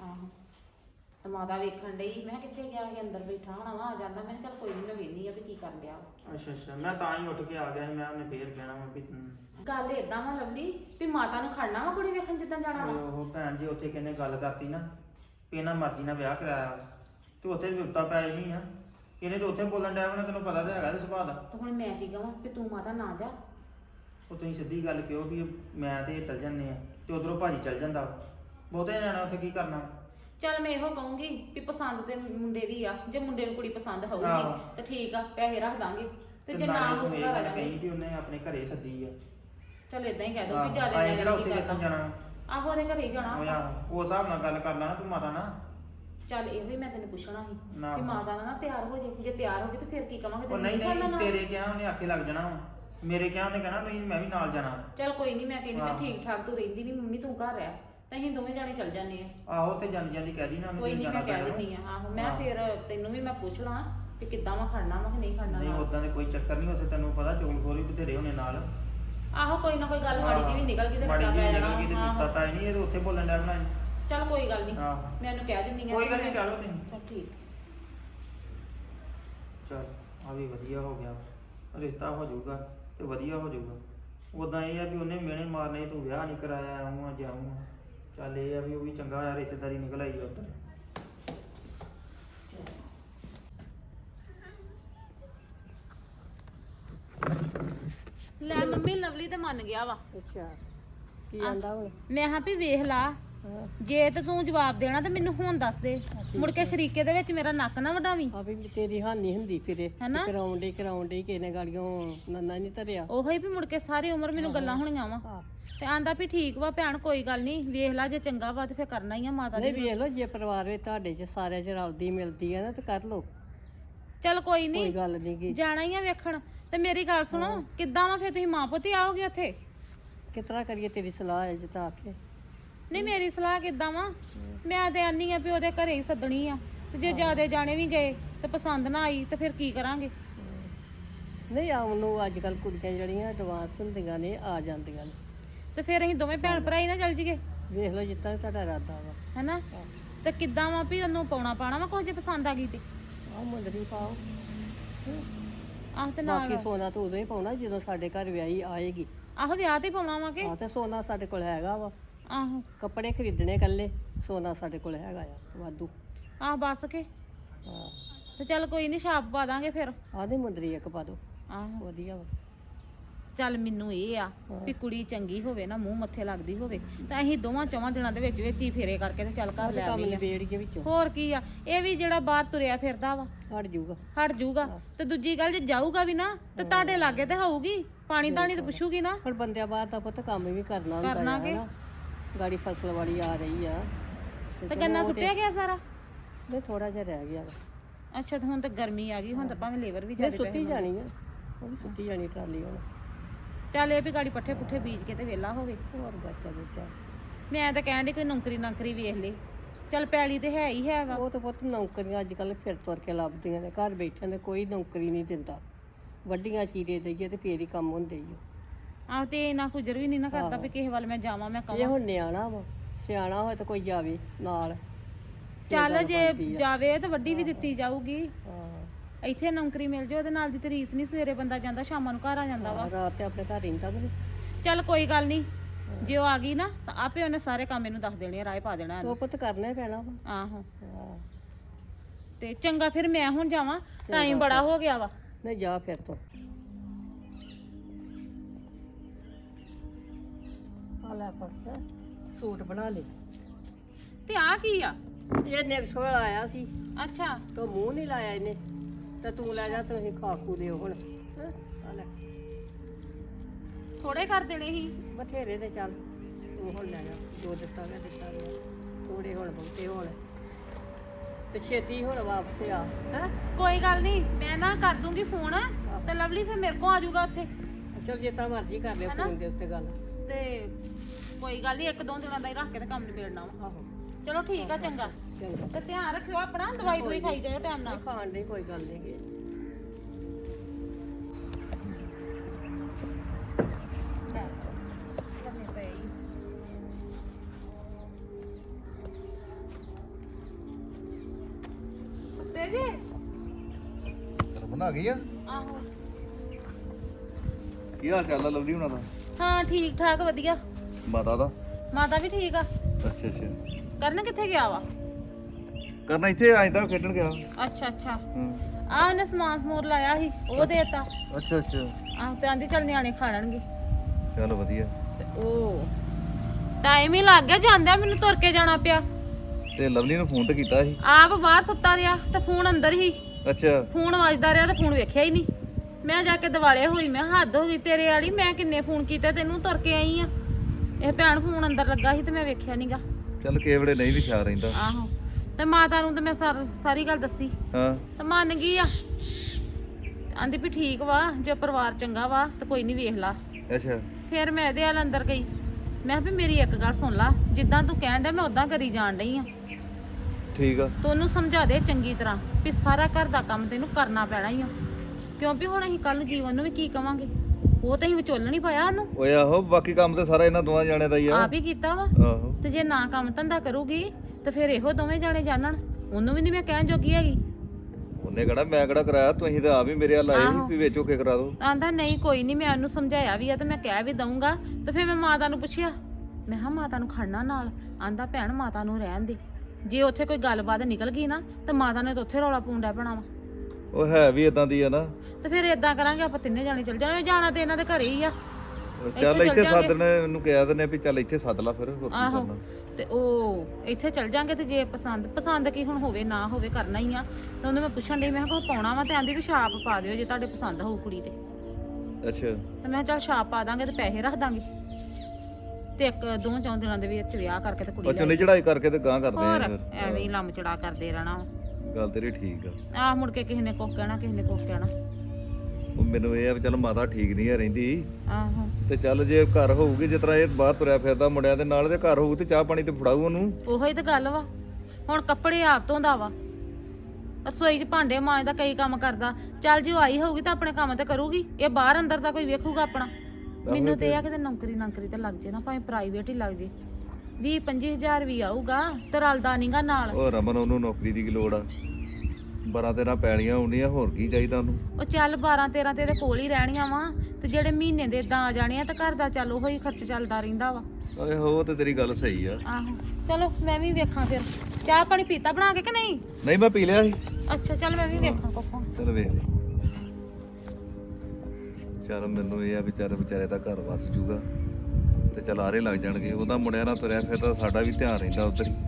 ਆਹੋ ਤੇ ਮਾਤਾ ਵੇਖਣ ਡਈ ਮੈਂ ਕਿਹਾ ਕਿੱਥੇ ਗਿਆ ਸੀ ਅੰਦਰ ਬੈਠਾ ਹੋਣਾ ਵਾ ਆ ਜਾਂਦਾ ਮੈਂ ਕਿਹਾ ਚੱਲ ਕੋਈ ਨਹੀਂ ਮੈਂ ਵੇਖਨੀ ਆ ਵੀ ਕੀ ਕਰਨ ਡਿਆ ਵਾ। ਅੱਛਾ ਮੈਂ ਤਾਂ ਹੀ ਉੱਠ ਕੇ ਆ ਗਿਆ ਸੀ ਮੈਂ ਉਹਨੇ ਫੇਰ ਕਹਿਣਾ ਵਾ ਵੀ ਗੱਲ ਏਦਾਂ ਵਾ ਲਵਲੀ ਵੀ ਮਾਤਾ ਨੂੰ ਖੜਨਾ ਵਾ ਕੁੜੀ ਵੇਖਣ ਜਿੱਦਾਂ ਜਾਣਾ ਵਾ। ਉਹ ਭੈਣ ਜੀ ਉੱਥੇ ਕਿਹਨੇ ਗੱਲ ਕਰਤੀ ਨਾ ਵੀ ਇਹਨਾਂ ਮਰਜ਼ੀ ਨਾਲ ਵਿਆਹ ਕਰਾਇਆ ਤੇ ਉੱਥੇ ਵਿਪਤਾ ਪੈ ਜਾਣੀ ਆ ਇਹਨੇ ਤਾਂ ਉੱਥੇ ਬੋਲਣ ਡਿਆ ਵਾ ਤੈਨੂੰ ਪਤਾ ਤਾਂ ਹੈਗਾ ਤੇ ਸੁਭਾਅ ਦਾ। ਤੇ ਹੁਣ ਮੈਂ ਕੀ ਕਹਾਂ ਵੀ ਤੂੰ ਮਾਤਾ ਨਾ ਜਾ। ਉਹ ਤੁਸੀਂ ਸਿੱਧੀ ਗੱਲ ਕਿਹੋ ਵੀ ਮੈਂ ਤੇ ਇਹ ਚੱਲ ਜੰਨੇ ਆ ਤੇ ਉਧਰੋਂ ਭਾਜੀ ਚੱਲ ਜਾਂਦਾ ਬਹੁਤੇ ਜਾਣਾ ਉੱਥੇ ਕੀ ਕਰਨਾ। ਚੱਲ ਮੈਂ ਇਹੋ ਕਹੂੰਗੀ ਵੀ ਪਸੰਦ ਤੇ ਮੁੰਡੇ ਦੀ ਆ ਜੇ ਮੁੰਡੇ ਨੂੰ ਕੁੜੀ ਪਸੰਦ ਆਹੋ। ਹੋਊਗੀ ਤੇ ਠੀਕ ਆ ਪੈਸੇ ਰੱਖ ਦਾਂਗੇ ਤੇ ਜੇ ਨਾ ਨਾਲੇ ਹੋਊ ਤੂੰ ਇਹ ਘਰ ਆ ਗੱਲ ਜਾਵਾਂਗੇ। ਕਹੀ ਵੀ ਉਹਨੇ ਆਪਣੇ ਘਰੇ ਸੱਦੀ ਆ। ਚੱਲ ਇਦਾਂ ਹੀ ਕਹਿ ਦੋ ਵੀ ਆਹੋ, ਜਿਆਦਾ ਆਏਂ ਕਿਹੜਾ ਜਾਣੇ ਉੱਥੇ ਕੀ ਵੇਖਣ ਕਰਨਾ ਜਾਣਾ ਆਹੋ ਉਹਦੇ ਘਰੇ ਹੀ ਜਾਣਾ ਉਹ ਆਪਾਂ। ਯਾਰ ਉਹ ਹਿਸਾਬ ਨਾਲ ਗੱਲ ਕਰ ਲੈਣਾ ਤੂੰ ਮਾਤਾ ਨਾਲ। ਚੱਲ ਇਹੋ ਹੀ ਮੈਂ ਤੈਨੂੰ ਪੁੱਛਣਾ ਸੀ ਨਾ। ਵੀ ਮਾਤਾ ਨਾ ਤਿਆਰ ਹੋ ਜੇ ਤਿਆਰ ਹੋ ਗਈ ਤੇ ਫਿਰ ਕੀ ਕਵਾਂਗੇ ਉਹ ਨਹੀਂ ਖੜਨਾ ਨਹੀਂ ਨਾਲ? ਤੇਰੇ ਕਿਹਾ ਉਹਨੇ ਆਖੇ ਲੱਗ ਜਾਣਾ ਵਾ। ਮੇਰੇ ਕਿਹਾ ਉਹਨੇ ਕਹਿਣਾ ਨਹੀਂ ਮੈਂ ਵੀ ਨਾਲ ਜਾਣਾ। ਚੱਲ ਕੋਈ ਨਹੀਂ ਮੈਂ ਕਹਿੰਦੀ ਮੈਂ ਆਹੋ। ਠੀਕ ਠਾਕ ਤੂੰ ਰਹਿੰਦੀ ਨਹੀਂ ਮੰਮੀ ਤੂੰ ਘਰ ਰਹਿ ਤੇ ਅਸੀਂ ਦੋਵੇਂ ਜਾਣੇ ਚੱਲ ਜਾਂਦੇ ਆ। ਆਹੋ ਤੇ ਜਾਂਦੀ ਜਾਂਦੀ ਕਹਿ ਦੀ ਨਾ ਉਹਨੇ ਕੋਈ ਨਹੀਂ ਜਾਣਾ ਮੈਂ ਕਹਿ ਪੈਣਾ। ਦਿੰਦੀ ਆ ਆਹੋ ਮੈਂ ਹਾਂ। ਫਿਰ ਤੈਨੂੰ ਵੀ ਮੈਂ ਪੁੱਛ ਲਾਂ ਕਿ ਕਿੱਦਾਂ ਵਾ ਖੜਨਾ ਵਾ ਕਿ ਨਹੀਂ ਖੜਨਾ ਨਹੀਂ ਨਾਲ। ਉਦਾਂ ਦੇ ਕੋਈ ਚੱਕਰ ਨਹੀਂ ਉੱਥੇ ਤੈਨੂੰ ਪਤਾ ਚੁਗਲਖੋਰ ਵੀ ਬਥੇਰੇ ਹੋਣੇ ਨਾਲ। ਆਹੋ ਕੋਈ ਨਾ ਕੋਈ ਗੱਲ ਮਾੜੀ ਜੀ ਵੀ ਨਿਕਲ ਗਈ ਤੇ ਮਾੜੀ ਪਤਾ ਜਿਹੀ ਪੈ ਨਿਕਲ ਗਈ ਤੇ ਜਾਣਾ ਪਤਾ ਪੈ ਨਹੀਂ ਇਹ ਤਾਂ ਉੱਥੇ ਬੋਲਣ ਡਿਆ ਬਣਾ। ਚੱਲ ਕੋਈ ਗੱਲ ਨਹੀਂ ਆਹੋ ਮੈਂ ਉਹਨੂੰ ਕਹਿ ਦਿੰਦੀ ਆ ਕੋਈ ਗੱਲ ਨਹੀਂ ਚਲੋ ਤੁਸੀਂ। ਚੱਲ ਠੀਕ ਚਲ ਆ ਵੀ ਵਧੀਆ ਹੋ ਗਿਆ ਰਿਸ਼ਤਾ ਹੋ ਜਾਊਗਾ ਤੇ ਵਧੀਆ ਹੋ ਜਾਊਗਾ। ਉਦਾਂ ਇਹ ਆ ਵੀ ਉਹਨੇ ਮਿਹਣੇ ਮਾਰਨੇ ਤੂੰ ਵਿਆਹ ਨਹੀਂ ਕਰਾਇਆ ਆਉਂ ਆ ਜਾਉਂ ਆ। ਚੱਲ ਇਹ ਆ ਵੀ ਉਹ ਵੀ ਚੰਗਾ ਹੋਇਆ ਰਿਸ਼ਤੇਦਾਰੀ ਨਿਕਲ ਆਈ ਆ ਉੱਧਰ। ਲੈ ਮੰਮੀ ਲਵਲੀ ਤੇ ਮੰਨ ਗਿਆ ਵਾ। ਅੱਛਾ ਕੀ ਆਂਦਾ ਹੁਣ? ਮੈਂ ਹਾਂ ਵੀ ਵੇਖ ਲਾ ਹਾਂ ਜੇ ਤੇ ਤੂੰ ਜਵਾਬ ਦੇਣਾ ਤੇ ਮੈਨੂੰ ਹੁਣ ਦੱਸ ਦੇ ਮੁੜ ਕੇ ਸ਼ਰੀਕੇ ਦੇ ਵਿੱਚ ਮੇਰਾ ਨੱਕ ਨਾ ਵਡਾਵੀਂ। ਆ ਵੀ ਤੇਰੀ ਹਾਨੀ ਹੁੰਦੀ ਫਿਰੇ ਹੈਨਾ? ਕਰਾਉਣ ਡਈ ਕਿਸੇ ਨੇ ਗਾੜੀਆਂ ਨੰਨਾ ਨਹੀਂ ਧਰਿਆ। ਉਹੋ ਹੀ ਵੀ ਮੁੜ ਕੇ ਸਾਰੀ ਉਮਰ ਮੈਨੂੰ ਗੱਲਾਂ ਹੋਣੀਆਂ ਵਾ ਹਾਂ ਤੇ ਆਂਦਾ ਵੀ ਠੀਕ ਵਾ ਭੈਣ ਕੋਈ ਗੱਲ ਨਹੀਂ ਵੇਖ ਲਾ ਜੇ ਚੰਗਾ ਵਾ ਤੇ ਫੇਰ ਕਰਨਾ ਹੀ ਆ ਮਾਤਾ ਨਹੀਂ ਦੀ। ਵੇਖ ਲਓ ਜੇ ਪਰਿਵਾਰ ਵਿੱਚ ਤੁਹਾਡੇ ਚ ਸਾਰਿਆਂ ਚ ਰਲਦੀ ਮਿਲਦੀ ਆ ਨਾ ਤੇ ਕਰ ਲਓ ਚੱਲ ਕੋਈ ਕੋਈ ਨਹੀਂ ਗੱਲ ਨਹੀਂ ਗੀ। ਜਾਣਾ ਹੀ ਆ ਵੇਖਣ ਤੇ ਮੇਰੀ ਗੱਲ ਸੁਣੋ ਕਿੱਦਾਂ ਵਾ ਫੇਰ ਤੁਸੀਂ ਮਾਂ ਪੁੱਤ ਹੀ ਆਓਗੇ ਉੱਥੇ? ਕਿਤਨਾ ਕਰੀਏ ਤੇਰੀ ਸਲਾਹ ਹੈ ਜਿੱਤਾ ਆਖੇ। ਨਹੀਂ ਮੇਰੀ ਸਲਾਹ ਕਿੱਦਾਂ ਵਾ ਮੈਂ ਤੇ ਆਨੀ ਆ ਵੀ ਉਹਦੇ ਘਰੇ ਹੀ ਸੱਦਣੀ ਆ ਤੇ ਜੇ ਜਿਆਦੇ ਜਾਣੇ ਵੀ ਗਏ ਤੇ ਪਸੰਦ ਨਾ ਆਈ ਤੇ ਫਿਰ ਕੀ ਕਰਾਂਗੇ? ਨਹੀਂ ਆਉਣ ਨੂੰ ਅੱਜ ਕੱਲ ਕੁੜੀਆਂ ਜਿਹੜੀਆਂ ਐਡਵਾਂਸ ਹੁੰਦੀਆਂ ਨੇ ਆ ਜਾਂਦੀਆਂ ਨੇ। ਤੇ ਫਿਰ ਅਸੀਂ ਦੋਵੇਂ ਭੈਣ ਭਰਾ ਹੀ ਨਾ ਚੱਲ ਜੀਏ ਵੇਖ ਲਓ ਜਿੱਦਾਂ ਵੀ ਤੁਹਾਡਾ ਇਰਾਦਾ ਵਾ। ਹੈਨਾ? ਤੇ ਕਿੱਦਾਂ ਵਾ ਵੀ ਉਹਨੂੰ ਪਾਉਣਾ ਪਾਣਾ ਵਾ ਕੁਝ ਜੇ ਪਸੰਦ ਆ ਗਈ ਤੇ ਆਹ ਮੁੰਦਰੀ ਪਾਓ। ਆਹ ਤੇ ਨਾਲ ਬਾਕੀ ਸੋਨਾ ਤਾਂ ਉਦੋਂ ਹੀ ਪਾਉਣਾ ਜਦੋਂ ਸਾਡੇ ਘਰ ਵਿਆਹੀ ਆਏਗੀ। ਆਹੋ ਵਿਆਹ ਤੇ ਪਾਉਣਾ ਵਾ ਕਿ ਆਹ ਤੇ ਸੋਨਾ ਸਾਡੇ ਕੋਲ ਹੈਗਾ ਵਾ। ਆਹੋ ਕੱਪੜੇ ਖਰੀਦਣੇ ਕੱਲੇ ਸੋਨਾ ਸਾਡੇ ਕੋਲ ਹੈਗਾ ਆ ਵਾਧੂ। ਆਹ ਬਸ ਕੇ ਹਾਂ ਤੇ ਚੱਲ ਕੋਈ ਨਹੀਂ ਛਾਪ ਪਾ ਦਾਂਗੇ ਫਿਰ। ਆਹਦੀ ਮੁੰਦਰੀ ਇੱਕ ਪਾ ਦੋ ਆਹੋ ਵਧੀਆ ਵਾ। ਚੱਲ ਮੈਨੂੰ ਇਹ ਆ ਵੀ ਕੁੜੀ ਚੰਗੀ ਹੋਵੇ ਨਾ ਮੂੰਹ ਮੱਥੇ ਲੱਗਦੀ ਹੋਵੇ ਤਾਂ ਅਸੀਂ ਦੋਵਾਂ ਚੌਵਾਂ ਦਿਨਾਂ ਦੇ ਵਿੱਚ ਵਿੱਚ ਹੀ ਫੇਰੇ ਕਰਕੇ ਤੇ ਚੱਲ ਘਰ ਲੈ ਕੰਮ ਆਵੀਂ। ਨਿਬੇੜੀਏ ਵਿੱਚੋਂ ਹੋਰ ਕੀ ਆ ਇਹ ਵੀ ਜਿਹੜਾ ਬਾਹਰ ਤੁਰਿਆ ਫਿਰਦਾ ਵਾ ਹਟ ਜਾਊਗਾ। ਹਟ ਜਾਊਗਾ ਤੇ ਦੂਜੀ ਗੱਲ ਜੇ ਜਾਊਗਾ ਵੀ ਨਾ ਤੇ ਤੁਹਾਡੇ ਲਾਗੇ ਤੇ ਹੋਊਗੀ ਪਾਣੀ ਧਾਣੀ ਤੇ ਪੁੱਛੂਗੀ ਨਾ। ਹੁਣ ਬੰਦਿਆਂ ਬਾਹਰ ਦਾ ਪੁੱਤ ਕੰਮ ਵੀ ਕਰਨਾ ਹੁੰਦਾ ਕਰਨਾ ਆ ਕਿ? ਨਾ। ਗਾੜੀ ਫਸਲ ਵਾਲੀ ਆ ਰਹੀ ਆ ਤੇ ਗੰਨਾ ਸੁੱਟਿਆ ਗਿਆ ਸਾਰਾ? ਨਹੀਂ ਥੋੜਾ ਜਿਹਾ ਰਹਿ ਗਿਆ ਵਾ। ਅੱਛਾ ਤੇ ਹੁਣ ਤਾਂ ਗਰਮੀ ਆ ਗਈ ਹੁਣ ਤਾਂ ਭਾਵੇਂ ਲੇਬਰ ਵੀ ਨਹੀਂ ਜ਼ਿਆਦਾ ਸੁੱਤੀ ਜਾਣੀ ਆ ਉਹ ਵੀ ਸੁੱਤੀ ਜਾਣੀ ਟਰਾਲੀ ਹੁਣ। ਚੱਲ ਇਹ ਵੀ ਗਾੜੀ ਪੱਠੇ ਪੁੱਠੇ ਬੀਜ ਕੇ ਤੇ ਵਿਹਲਾ ਹੋਵੇ। ਹੋਰ ਗਾਚਾ ਗਾਚਾ ਮੈਂ ਤਾਂ ਕਹਿਣ ਡਈ ਕੋਈ ਨੌਕਰੀ ਵੇਖ ਲੇ ਚੱਲ ਪੈਲੀ ਤੇ ਹੈ ਹੀ ਹੈ ਵਾ। ਉਹ ਤਾਂ ਪੁੱਤ ਨੌਕਰੀਆਂ ਅੱਜ ਕੱਲ ਫਿਰ ਤੁਰ ਕੇ ਲੱਭਦੀਆਂ ਨੇ ਘਰ ਬੈਠਿਆਂ ਨੇ ਕੋਈ ਨੌਕਰੀ ਨਹੀਂ ਦਿੰਦਾ। ਵੱਡੀਆਂ ਚੀਰੇ ਦਈਏ ਤੇ ਫੇਰ ਹੀ ਕੰਮ ਹੁੰਦੇ ਹੀ ਆਹ ਤੇ ਇਹਨਾਂ ਗੁਜ਼ਰ ਵੀ ਨਹੀਂ ਨਾ ਕਰਦਾ ਵੀ ਕਿਸੇ ਵੱਲ ਮੈਂ ਜਾਵਾਂ ਮੈਂ ਇਹ ਕਵਾਂ ਹੁਣ ਨਿਆਣਾ ਵਾ ਸਿਆਣਾ ਹੋਏ ਤਾਂ ਕੋਈ ਜਾਵੇ ਨਾਲ। ਚੱਲ ਜੇ ਜਾਵੇ ਤਾਂ ਵੱਡੀ ਵੀ ਦਿੱਤੀ ਜਾਊਗੀ। ਹਾਂ ਇੱਥੇ ਨੌਕਰੀ ਮਿਲ ਜੇ ਉਹਦੇ ਨਾਲ ਦੀ ਤੇ ਰੀਸ ਨਹੀਂ ਸਵੇਰੇ ਬੰਦਾ ਜਾਂਦਾ ਸ਼ਾਮਾਂ ਨੂੰ ਘਰ ਆ ਜਾਂਦਾ ਵਾ। ਰਾਤ ਤੇ ਆਪਣੇ ਘਰ ਰਹਿੰਦਾ ਵੀ ਨੀ। ਚੱਲ ਕੋਈ ਗੱਲ ਨਹੀਂ ਜੇ ਉਹ ਆ ਗਈ ਨਾ ਤਾਂ ਆਪੇ ਉਹਨੇ ਸਾਰੇ ਕੰਮ ਇਹਨੂੰ ਦੱਸ ਦੇਣੇ ਆ ਰਾਹ ਪਾ ਦੇਣਾ ਉਹ ਇਹਨੂੰ। ਪੁੱਤ ਕਰਨਾ ਹੀ ਪੈਣਾ ਵਾ। ਆਹੋ ਹਾਂ ਤੇ ਚੰਗਾ ਫਿਰ ਮੈਂ ਹੁਣ ਜਾਵਾਂ ਟਾਈਮ ਬੜਾ ਹੋ ਗਿਆ ਵਾ। ਨਹੀਂ ਜਾ ਫਿਰ ਤੋਂ ਆ ਲੈ ਪੜਦਾ ਸੂਟ ਬਣਾ ਲੈ। ਤੇ ਆ ਕੀ ਆ? ਇਹ ਨਿਕਸ ਵਾਲਾ ਆਇਆ ਸੀ ਅੱਛਾ ਤੋ ਮੂੰਹ ਨਹੀਂ ਲਾਇਆ ਇਹਨੇ ਤੇ ਤੂੰ ਲੈ ਜਾ ਤੁਸੀਂ ਖਾਕੂ ਦਿਓ ਹੁਣ। ਹੈਂ? ਆ ਲੈ ਥੋੜੇ ਕਰ ਦੇਣੇ ਸੀ। ਬਥੇਰੇ ਤੇ ਚੱਲ ਤੂੰ ਹੁਣ ਲੈ ਜਾ ਜੋ ਦਿੱਤਾ ਗਿਆ ਥੋੜੇ ਹੁਣ ਬਹੁਤੇ ਹੋਣ ਤੇ ਛੇਤੀ ਹੁਣ ਵਾਪਸ ਆ। ਹੈ ਕੋਈ ਗੱਲ ਨਹੀਂ ਮੈਂ ਨਾ ਕਰ ਦੂੰਗੀ ਫੋਨ ਤੇ ਲਵਲੀ ਫਿਰ ਮੇਰੇ ਕੋ ਆ ਜਾਊਗਾ ਉੱਥੇ। ਚਲ ਜੇ ਤਾਂ ਮਰਜ਼ੀ ਕਰ ਲਿਓ ਹੈਨਾ? ਫੋਨ ਦੇ ਉੱਤੇ ਗੱਲ। ਤੇ ਕੋਈ ਗੱਲ ਨਹੀਂ ਇੱਕ ਦੋ ਦਿਨਾਂ ਦਾ ਹੀ ਰੱਖ ਕੇ ਤੇ ਕੰਮ ਨਿਬੇੜਨਾ ਵਾ। ਆਹੋ ਚਲੋ ਠੀਕ ਆ ਚੰਗਾ ਚੰਗਾ ਤੇ ਧਿਆਨ ਰੱਖਿਓ ਆਪਣਾ ਦਵਾਈ ਦਵਾਈ ਖਾਈ ਜਾਇਓ ਟਾਈਮ ਨਾਲ। ਨਹੀਂ ਖਾਣ ਦੀ ਕੋਈ ਗੱਲ ਨਹੀਂ ਗੀ। ਗਏ ਜੀ ਰਮਨ ਆ ਗਈ ਆ ਆਹੋ ਕੀ ਹਾਲ ਚਾਲ ਆ ਲਵਲੀ ਹੁਣਾਂ ਦਾ ਹਾਂ ਠੀਕ ਠਾਕ ਵਧੀਆ ਮਾਤਾ ਦਾ ਮਾਤਾ ਵੀ ਠੀਕ ਆ ਅੱਛਾ ਅੱਛਾ ਕਰਨ ਕਿੱਥੇ ਗਿਆ ਵਾ ਕਰਨਾ ਇੱਥੇ ਆਇਂਦਾ ਖੇਡਣ ਗਿਆ ਅੱਛਾ ਅੱਛਾ ਹਾਂ ਆ ਉਹਨੇ ਸਮਾਨ ਸਮੂਰ ਲਾਇਆ ਸੀ ਉਹ ਦੇਤਾ ਅੱਛਾ ਅੱਛਾ ਆਹ ਤੇ ਆਂਦੀ ਚੱਲ ਨਿਆਣੇ ਖਾ ਲੈਣਗੇ ਚਲ ਵਧੀਆ ਤੇ ਉਹ ਟਾਈਮ ਹੀ ਲੱਗ ਗਿਆ ਜਾਂਦਿਆਂ ਮੈਨੂੰ ਤੁਰ ਕੇ ਜਾਣਾ ਪਿਆ ਤੇ ਲਵਲੀ ਨੂੰ ਫੋਨ ਤੇ ਕੀਤਾ ਸੀ ਆਪ ਬਾਹਰ ਸੁੱਤਾ ਰਿਹਾ ਤੇ ਫੋਨ ਅੰਦਰ ਹੀ ਅੱਛਾ ਫੋਨ ਵੱਜਦਾ ਰਿਹਾ ਤੇ ਫੋਨ ਵੇਖਿਆ ਹੀ ਨਹੀਂ ਮੈਂ ਜਾ ਕੇ ਦਿਵਾਲੇ ਹੋਈ ਮੈਂ ਹੱਦ ਹੋ ਗਈ ਤੇਰੇ ਵਾਲੀ ਮੈਂ ਕਿੰਨੇ ਫੋਨ ਕੀਤੇ ਤੈਨੂੰ ਤੁਰ ਕੇ ਆਈ ਆ ਇਹ ਭੈਣ ਫੋਨ ਅੰਦਰ ਲੱਗਾ ਸੀ ਤੇ ਮੈਂ ਵੇਖਿਆ ਨਹੀਂਗਾ ਚੱਲ ਕਿਸੇ ਵੇਲੇ ਨਹੀਂ ਵੀ ਖਿਆਲ ਰਹਿੰਦਾ ਆਹੋ ਤੇ ਮਾਤਾ ਨੂੰ ਤੇ ਮੈਂ ਸਾਰੀ ਗੱਲ ਦੱਸੀ ਹਾਂ ਤੇ ਮੰਨ ਗਈ ਆ ਆਂਦੀ ਵੀ ਠੀਕ ਵਾ ਜੇ ਪਰਿਵਾਰ ਚੰਗਾ ਵਾ ਤੇ ਕੋਈ ਨਹੀਂ ਵੇਖ ਲਾ ਅੱਛਾ ਫਿਰ ਮੈਂ ਇਹਦੇ ਵੱਲ ਅੰਦਰ ਗਈ ਮੈਂ ਕਿਹਾ ਵੀ ਮੇਰੀ ਇੱਕ ਗੱਲ ਸੁਣ ਲਾ ਜਿੱਦਾਂ ਤੂੰ ਕਹਿਣ ਡਿਆ ਮੈਂ ਉਦਾਂ ਕਰੀ ਜਾਣ ਡਈ ਆ ਠੀਕ ਆ ਤੂੰ ਉਹਨੂੰ ਸਮਝਾ ਦੇ ਚੰਗੀ ਤਰ੍ਹਾਂ ਵੀ ਸਾਰਾ ਘਰ ਦਾ ਕੰਮ ਤੈਨੂੰ ਕਰਨਾ ਪੈਣਾ ਹੀ ਆ ਕਿਉਂਕਿ ਹੁਣ ਅਸੀਂ ਕੱਲ ਨੂੰ ਜੀਵਨ ਨੂੰ ਵੀ ਕੀ ਕਵਾਂਗੇ ਉਹ ਤਾਂ ਅਸੀਂ ਵਿਚੋਲਣ ਨਹੀਂ ਪਾਇਆ ਉਹਨੂੰ ਓਏ ਆਹੋ ਬਾਕੀ ਕੰਮ ਤੇ ਸਾਰਾ ਇਹਨਾਂ ਦੋਵਾਂ ਜਾਣਿਆਂ ਦਾ ਹੀ ਆ ਆਪ ਹੀ ਕੀਤਾ ਵਾ ਆਹੋ ਤੇ ਜੇ ਨਾ ਕੰਮ ਧੰਦਾ ਕਰੂਗੀ ਤੇ ਫਿਰ ਇਹੋ ਦੋਵੇਂ ਜਾਣੇ ਜਾਣਨ ਉਹਨੂੰ ਵੀ ਨਹੀਂ ਮੈਂ ਕਹਿਣ ਜੋਗੀ ਹੈਗੀ ਉਹਨੇ ਕਿਹੜਾ ਮੈਂ ਕਿਹੜਾ ਕਰਾਇਆ ਤੁਸੀਂ ਤਾਂ ਆਪ ਹੀ ਮੇਰੇ ਵੱਲ ਆਏ ਆਹੋ। ਸੀ ਵੀ ਵੇਚੋ ਕੇ ਕਰਾ ਦੋ ਆਂਦਾ ਨਹੀਂ ਕੋਈ ਨਹੀਂ ਮੈਂ ਉਹਨੂੰ ਸਮਝਾਇਆ ਵੀ ਆ ਤੇ ਮੈਂ ਕਹਿ ਵੀ ਦਊਂਗਾ ਤੇ ਫਿਰ ਮੈਂ ਮਾਤਾ ਨੂੰ ਪੁੱਛਿਆ ਮੈਂ ਕਿਹਾ ਮਾਤਾ ਨੂੰ ਖੜਨਾ ਨਾਲ ਆਂਦਾ ਭੈਣ ਮਾਤਾ ਨੂੰ ਰਹਿਣ ਦੇ ਜੇ ਉੱਥੇ ਕੋਈ ਗੱਲਬਾਤ ਨਿਕਲ ਗਈ ਨਾ ਤੇ ਮਾਤਾ ਨੇ ਤਾਂ ਉੱਥੇ ਰੌਲਾ ਪਾਉਂਦਾ ਪੈਣਾ ਵਾ ਉਹ ਹੈ ਵੀ ਇਦਾਂ ਦੀ ਆ ਨਾ ਤੇ ਫਿਰ ਇਦਾਂ ਕਰਾਂਗੇ ਆਪਾਂ ਤਿੰਨੇ ਜਾਣੇ ਚੱਲ ਜਾਣਾ ਜਾਣਾ ਤੇ ਇਹਨਾਂ ਦੇ ਘਰੇ ਹੀ ਆ ਚੱਲ ਇੱਥੇ ਇੱਥੇ ਚੱਲ ਸੱਦਣੇ ਇਹਨੂੰ ਕਹਿ ਦਿੰਦੇ ਵੀ ਚੱਲ ਇੱਥੇ ਸੱਦ ਲਾ ਫਿਰ ਹੋਰ ਕੀ ਆਹੋ ਕਰਨਾ ਤੇ ਉਹ ਇੱਥੇ ਚੱਲ ਜਾਾਂਗੇ ਤੇ ਜੇ ਪਸੰਦ ਕੀ ਹੁਣ ਹੋਵੇ ਨਾ ਹੋਵੇ ਕਰਨਾ ਹੀ ਆ ਤੇ ਉਹਨੂੰ ਮੈਂ ਪੁੱਛਣ ਡਈ ਮੈਂ ਕਿਹਾ ਕੋਈ ਪਾਉਣਾ ਵਾ ਤੇ ਆਂਦੀ ਵੀ ਛਾਪ ਪਾ ਦਿਓ ਜੇ ਤੁਹਾਡੇ ਪਸੰਦ ਹੋਊ ਕੁੜੀ ਤੇ ਅੱਛਾ ਤੇ ਮੈਂ ਕਿਹਾ ਚੱਲ ਛਾਪ ਪਾ ਦਾਂਗੇ ਤੇ ਪੈਸੇ ਰੱਖ ਦਾਂਗੇ ਤੇ ਇੱਕ ਦੋ ਚੌਂ ਦਿਨਾਂ ਦੇ ਵਿੱਚ ਵਿਆਹ ਕਰਕੇ ਤੇ ਕੁੜੀ ਉਹ ਲੈ ਚੁੰਨੀ ਚੜਾਈ ਕਰਕੇ ਤੇ ਗਾਂ ਕਰਦੇ ਹੋਰ ਆ ਫਿਰ ਐਵੇਂ ਹੀ ਲੰਮ ਚੜਾ ਕਰਦੇ ਰਹਿਣਾ ਗੱਲ ਤੇਰੀ ਠੀਕ ਆ ਆਹ ਮੁੜ ਕੇ ਕਿਸੇ ਨੇ ਕੁਛ ਕਹਿਣਾ ਕਿਸੇ ਨੇ ਕੁਛ ਕਹਿਣਾ ਉਹ ਮੈਨੂੰ ਇਹ ਆ ਵੀ ਚੱਲ ਮਾਤਾ ਠੀਕ ਨਹੀਂ ਆ ਰਹਿੰਦੀ ਆਹੋ ਤੇ ਚੱਲ ਜੇ ਘਰ ਹੋਊਗੀ ਜਿਸ ਤਰ੍ਹਾਂ ਇਹ ਬਾਹਰ ਤੁਰਿਆ ਫਿਰਦਾ ਮੁੰਡਿਆਂ ਦੇ ਨਾਲ ਤੇ ਘਰ ਹੋਊ ਤੇ ਚਾਹ ਪਾਣੀ ਤੇ ਫੜਾਊ ਉਹਨੂੰ ਉਹੋ ਹੀ ਤਾਂ ਗੱਲ ਵਾ ਹੁਣ ਕੱਪੜੇ ਆਪ ਧੋਂਦਾ ਵਾ ਰਸੋਈ 'ਚ ਭਾਂਡੇ ਮਾਂਜਦਾ ਕਈ ਕੰਮ ਕਰਦਾ ਚੱਲ ਜੇ ਉਹ ਆਈ ਹੋਊਗੀ ਤਾਂ ਆਪਣੇ ਕੰਮ ਤੇ ਕਰੂਗੀ ਇਹ ਬਾਹਰ ਅੰਦਰ ਦਾ ਕੋਈ ਵੇਖੂਗਾ ਆਪਣਾ ਮੈਨੂੰ ਤੇ ਇਹ ਆ ਕਿ ਨੌਕਰੀ ਤੇ ਲੱਗ ਜੇ ਨਾ ਭਾਵੇਂ ਪ੍ਰਾਈਵੇਟ ਹੀ ਲੱਗ ਜੇ 20-25 ਵੀ ਆਊਗਾ ਤੇ ਰਲਦਾ ਨਹੀਂਗਾ ਨਾਲ ਉਹ ਰਮਨ ਉਹਨੂੰ ਨੌਕਰੀ ਦੀ ਕੀ ਲੋੜ ਆ 12-13 ਪੈਲੀਆਂ ਹੁੰਦੀਆਂ ਹੋਰ ਕੀ ਚਾਹੀਦਾ ਉਹਨੂੰ ਉਹ ਚੱਲ 12-13 ਤੇ ਇਹਦੇ ਕੋਲ ਹੀ ਰਹਿਣੀਆਂ ਵਾ ਤੇ ਜਿਹੜੇ ਮਹੀਨੇ ਦੇ ਇਦਾਂ ਆ ਜਾਣੇ ਆ ਤੇ ਘਰ ਦਾ ਚੱਲ ਉਹੋ ਹੀ ਖਰਚ ਚੱਲਦਾ ਰਹਿੰਦਾ ਵਾ ਓਏ ਹੋ ਤੇ ਤੇਰੀ ਗੱਲ ਸਹੀ ਆ ਆਹੋ ਚਲੋ ਮੈਂ ਵੀ ਵੇਖਾਂ ਫਿਰ ਚਾਹ ਪਾਣੀ ਪੀਤਾ ਬਣਾ ਕੇ ਕਿ ਨਹੀਂ ਨਹੀਂ ਮੈਂ ਪੀ ਲਿਆ ਸੀ ਅੱਛਾ ਚੱਲ ਮੈਂ ਵੀ ਵੇਖਾਂ ਕੋਕੋ ਚਲ ਵੇਖ ਲਈ ਚੱਲ ਮੈਨੂੰ ਇਹ ਆ ਵਿਚਾਰੇ ਦਾ ਘਰ ਵਸ ਜੂਗਾ ਤੇ ਚੱਲ ਆਰੇ ਲੱਗ ਜਾਣਗੇ ਉਹਦਾ ਮੁੰਡਿਆਂ ਨਾਲ ਤੁਰਿਆ ਫਿਰਦਾ ਸਾਡਾ ਵੀ ਧਿਆਨ ਰਹਿੰਦਾ ਉਧਰ ਹੀ